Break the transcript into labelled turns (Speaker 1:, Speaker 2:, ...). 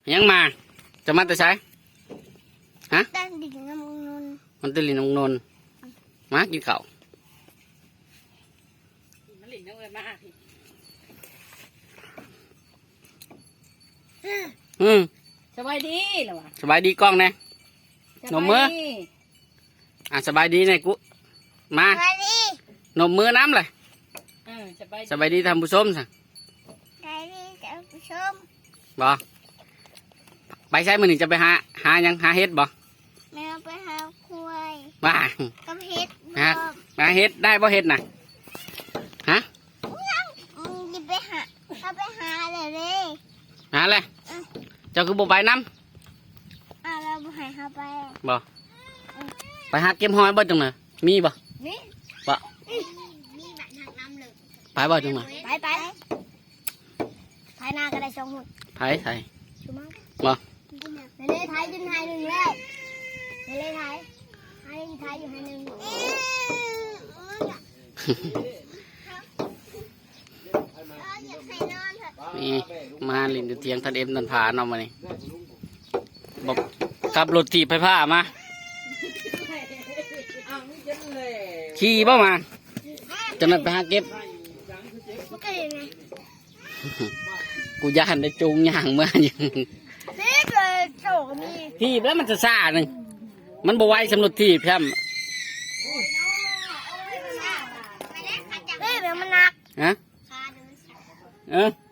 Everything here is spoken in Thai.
Speaker 1: ยังมาจะมาแต่ใช้ฮะ
Speaker 2: ตั้งดิ่งน้ำนน
Speaker 1: มันตื่นลินนนมากินข้าว
Speaker 3: มันหลิงน้ำเงินมาพี่ สบายดีเหรอวะ
Speaker 1: สบายดีกล้องแน่ หนมมื้อ
Speaker 3: สบายดี
Speaker 1: สบายดีเนี่ยกูมา
Speaker 2: ไปดิ
Speaker 1: นมมือน้ำเลย
Speaker 3: สบายดี
Speaker 1: สบายดีท่านผู้ชมสิ
Speaker 2: ไปดิท่านผู้ชม
Speaker 1: บ่ไปใช้มือหนึ่งจะไปหายังหาเฮ็ดบ่
Speaker 2: แมวไปหาควาย
Speaker 1: มา
Speaker 2: กับเห็ด
Speaker 1: ฮะ หาเฮ็ดได้บ่เฮ็ดน่ะฮะ
Speaker 2: ดิไปหาเขาไปหาเลยเลย
Speaker 1: หาอะไรเจ้าคือบ่ไปน้
Speaker 2: เราไปหาเขาไป
Speaker 1: ำบ่ไปหาเก็บหอยบ่จังน่ะมีบ่
Speaker 2: นี่
Speaker 1: บ่
Speaker 2: มีแบบทางน้ำเลย
Speaker 1: ไปบ่จังน่ะ
Speaker 2: ไปไทยนาก็ได้2 หุ่น
Speaker 1: ไปใส่
Speaker 2: ชูมั้ง
Speaker 1: บ่
Speaker 2: ในเล่ไทยดึงไทยหนึ่งแล้วในเล่ไทยอยู่ไทยหนึ่ง
Speaker 1: นี่มาลินอยู่เทียงทันเอ็มนันพาเนาะมานี่บอกขับรถถีบไฟผ้ามาขี่บ่มาจะนั่นไปหาเก็บ
Speaker 2: มันก็ยังไง
Speaker 1: กูย่านได้จูงย่างเมื่อยัง
Speaker 2: นี่เลยโฉกมี
Speaker 1: ถีบแล้วมันจะซ่าหนึ่งมันบ่ไหวสำหรับถีบแพม
Speaker 2: เฮ้ยเดี๋ยวมันหนัก
Speaker 1: ฮะ
Speaker 2: ขาเดิน
Speaker 1: เออ